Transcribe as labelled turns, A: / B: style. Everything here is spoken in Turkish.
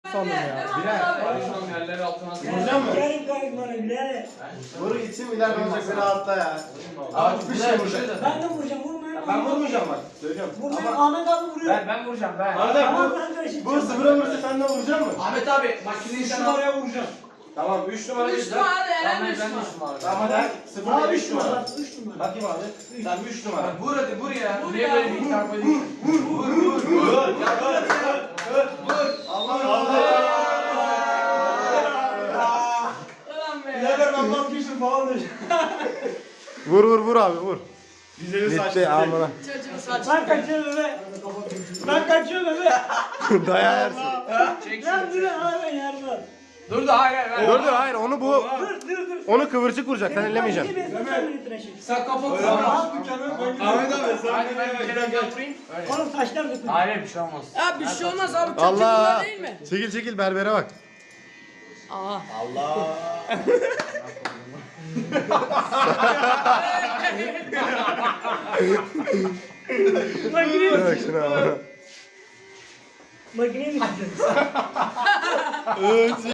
A: sandım ya.
B: Birer. Yerleri altına
C: Vuracağım mı?
D: Yarım kayıp bana bile.
C: Vur gitsin ileride olacak beni atla ya.
B: Abi
C: bir şey vuracak.
D: Ben de vuracağım. Vurmayın.
C: Ben vurmayacağım bak. Söylüyorum.
D: Vurmayın.
C: Ama
D: Ahmet abi vuruyor.
B: Ben vuracağım ben.
C: Arda
D: Tamam
C: bu
D: ben karışacağım.
C: bu sıfıra vursa sen de vuracaksın mı?
B: Ahmet abi makineyi
C: Üç
B: sen al.
C: numaraya vuracağım. Tamam 3 numara
E: 3
C: güzel.
E: numara Eren
B: Tamam
E: 3
B: ben
E: numara.
B: 3 numara.
C: Tamam hadi. Sıfır
D: Abi
C: değil
D: 3
C: 3 numara.
D: numara. 3 numara.
C: Bakayım abi. Tamam 3 numara.
B: Vur hadi vur ya.
E: Vur
B: Niye
E: ya,
B: böyle
E: vur.
B: bir tarafa değil?
E: Ulan be.
C: Birader ben vazgeçtim falan diyeceğim.
A: Vur abi vur.
C: Güzeli
A: Gitti amına.
E: Çocuğun saçı.
D: Ben kaçıyorum bebe. Ben kaçıyorum bebe.
A: Dayağı yersin.
B: Çek
D: Lan
B: şunu.
D: dur abi yardım.
B: Dur da hayır.
A: Dur hayır onu bu.
D: Dur.
A: Onu kıvırcık vuracak sen ellemeyeceksin.
B: Sen kapat.
C: Ahmet abi sen
B: Hadi ben bir kere götüreyim. Öyle.
D: Oğlum saçlar dökülür.
B: Hayır bir şey olmaz.
E: Ya bir şey olmaz abi. Çok
A: Allah.
E: kötüler değil mi?
A: Çekil berbere bak.
E: Aa.
C: Allah.
D: Makineyi
A: Bak şuna amına.
D: Makineyi mi